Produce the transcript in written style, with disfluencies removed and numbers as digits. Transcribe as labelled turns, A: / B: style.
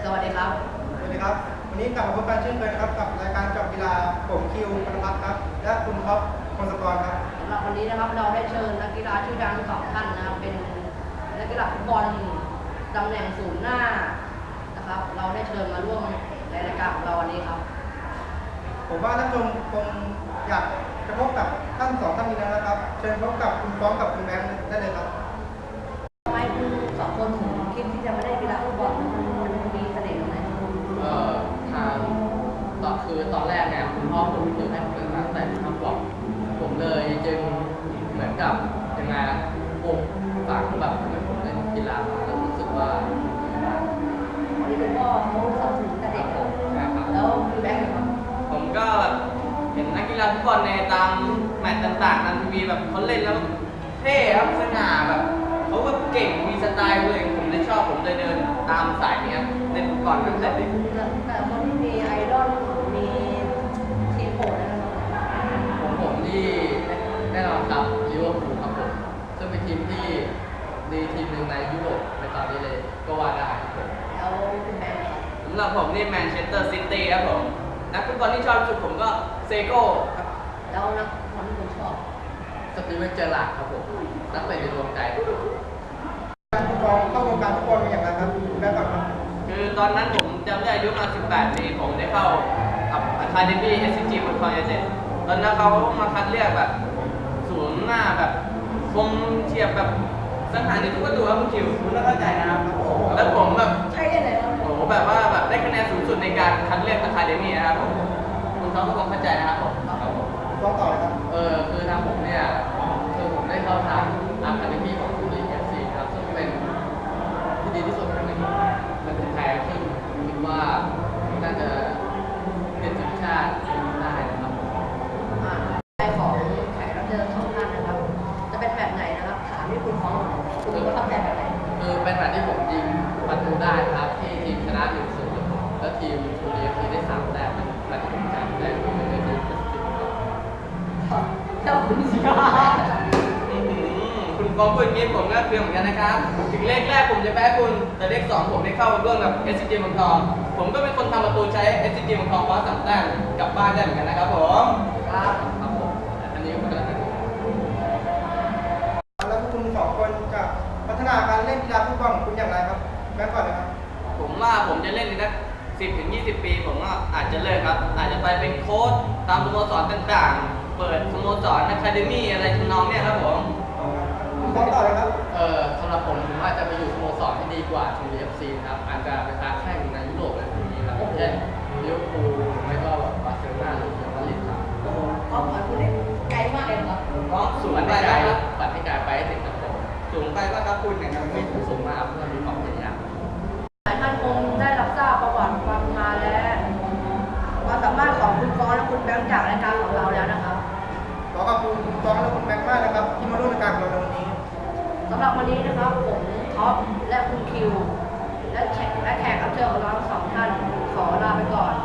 A: สวัสดีครับ
B: สวัสดีครับวันนี้กลับมาพบกันเช่นเคยนะครับกับรายการเจาะกีฬาผมคิวพนพัฒน์ครับและคุณท็อปพงศกรครับ
A: สำหรับวันนี้นะครับเราได้เชิญนักกีฬาชื่อดังสองท่านนะครับเป็นนักกีฬาฟุตบอลตำแหน่งศูนย์หน้านะครับเราได้เชิญมาร่วมในรายการของเราวันนี้ครับ
B: ผมว่าท่านผู้ชมคงอยากจะพบกับท่านสองท่านนี้นะครับเชิญพบกับคุณฟ้องกับคุณแบงค์ได้เลยครับ
A: ทำไมคุณสองคนถึงคิดที่จะมาเล่นกีฬาฟุตบอลมันมีเสน่ห์ตรงไหน
C: ทางตอนแรกเนี่ยคุณพ่อผมคือให้ผมเล่นตั้งแต่ทำบอกผมเลยจึงเหมือนกับยังไงปลูกฝังแบบเหมือนผมเล่นกีฬามาแล้วรู้สึกว่า
A: วันนี้คุณพ่อเขาสนับสนุนแต่เด็กครับแล้วคุณแบงค์ครับ
D: ผมก็เห็นนักกีฬาฟุตบอลในตามแมตช์ต่างๆนั้นมีแบบเขาเล่นแล้วเท่ครับสง่าแบบเขาแบบเก่งมีสไตล์เลยผมเลยชอบผมเลยเดินตามสายนี้เล่นฟุตบอลตั้งแต่เด็ก
A: แต่คนที่มีไอดอลมีทีมโปรดนะครับ
C: ผมที่แน่นอนครับลิเวอร์พูลครับผมซึ่งเป็นทีมที่ดีทีมหนึ่งในยุโรปในตอนนี้เลยก็ว่าได้ครับผม
A: แล้วคุณแบงค์ครับ
D: สำหรับผมนี่แมนเชสเตอร์ซิตี้ครับผมนักฟุตบอลที่ชอบที่สุดผมก็เซโก้ครับ
A: แล้วนักบอลที่คุณชอบ
C: สตีเวนเจอร์ลาร์ดครับผมนักเตะในดวงใจ
B: คุณฟ้องเข้าวงการฟุตบอลมาอย่างไรครับคุณแบงค์ก่อนครับ
D: คือตอนนั้นผมจำได้อายุมา18 ปีผมได้เข้ากับอะคาเดมี่ SCG เมืองทองยูไนเต็ดตอนนั้นเขามาคัดเลือกแบบศูนย์หน้าแบบคมเฉียบแบบสังหารในทุกประตูครับคุณคิวคุณต้องเข้าใจนะครับแล้วผมแบบ
A: ใช่ได้เลยครับ
D: โอ้โหแบบว่าแบบได้คะแนนสูงสุดในการคัดเลือกอะคาเดมี่นะครับผมคุณท้องก็คงเข้าใจนะครับผม
B: คุณฟ้องต่อเลยครับ
C: คือทางผมเนี่ยคือผมได้เข้าทางอะคาเดมี่ของซูริค FC ครับซึ่งเป็นที่ดีที่สุดในมันเป็นแพ้ซึ่งคิดว่าน่าจะเป็นทีมชาติได้นะครับ
A: ใจของแขกรับเชิญสองท่านนะครับจะเป็นแบบไหนนะครับถามที่คุณฟ้องคุณประทับใจแบบไหน
C: คือเป็นแบบที่ผมยิงประตูได้ครับที่ทีมชนะ 1-0 แล้วทีมซูริค FC ได้3 แต้มแบบที่ผมจำได้คือเป็นทีม
A: ครับเจ้าคุณสิครับ
D: คุณฟ้องพูดอย่างนี้ผมก็เคืองเหมือนกันนะครับถึงเลขแรกผมจะแพ้คุณแต่เลข2ผมได้เข้าร่วมกับ SCG เมืองทองผมก็เป็นคนทำประตูใช้ SCG เมืองทองคว้า3 แต้มกลับบ้านได้เหมือนกันนะครับผม
C: ครับผมอันนี้ก็เป็น
B: แล้วคุณสองคนจะพัฒนาการเล่นกีฬาฟุตบอลของคุณอย่างไรครับแบงค์ก่อนเลยครับ
D: ผมว่าผมจะเล่นในนัก10-20 ปีผมก็อาจจะเลิกครับอาจจะไปเป็นโค้ชตามสโมสรต่างๆเปิดสโมสรอะคาเดมี่อะไรทำนองเนี้ยครับผม
B: คุณฟ้องต่อเลยครับ
C: สำหรับผมอาจจะไปอยู่สโมสรที่ดีกว่าทูรี FC ครับอาจจะไปค้าแข่งในยุโรปอะไรพวกนี้ครับเช่นลิเวอร์พูลไม่ก็แบบบาร์เซโลนาหรือเรอัลมาดริดครับ
A: โอ้โหความฝันคุณเนี่ยไกลมากเลยครับ
D: ก็สูงไปครับ
C: ฝันให้ไกลไปให้ถึงครับผม
D: สูงไปก็ครับคุณอย่างนั้น
C: ไม่สูงมากเพื่อมีความพยายาม
A: หลายท่านคงได้รับทราบประวัติความมาและความสามารถของคุณฟ้องและคุณแบงค์จากรายการของเราแล้วนะครับ
B: ขอขอบคุณคุณฟ้องและคุณแบงค์มากนะครับที่มาร่วมรายการของเราในวันนี้
A: สำหรับวันนี้นะครับผมท็อปและคุณคิวและแขกรับเชิญของเราทั้งสองท่านขอลาไปก่อน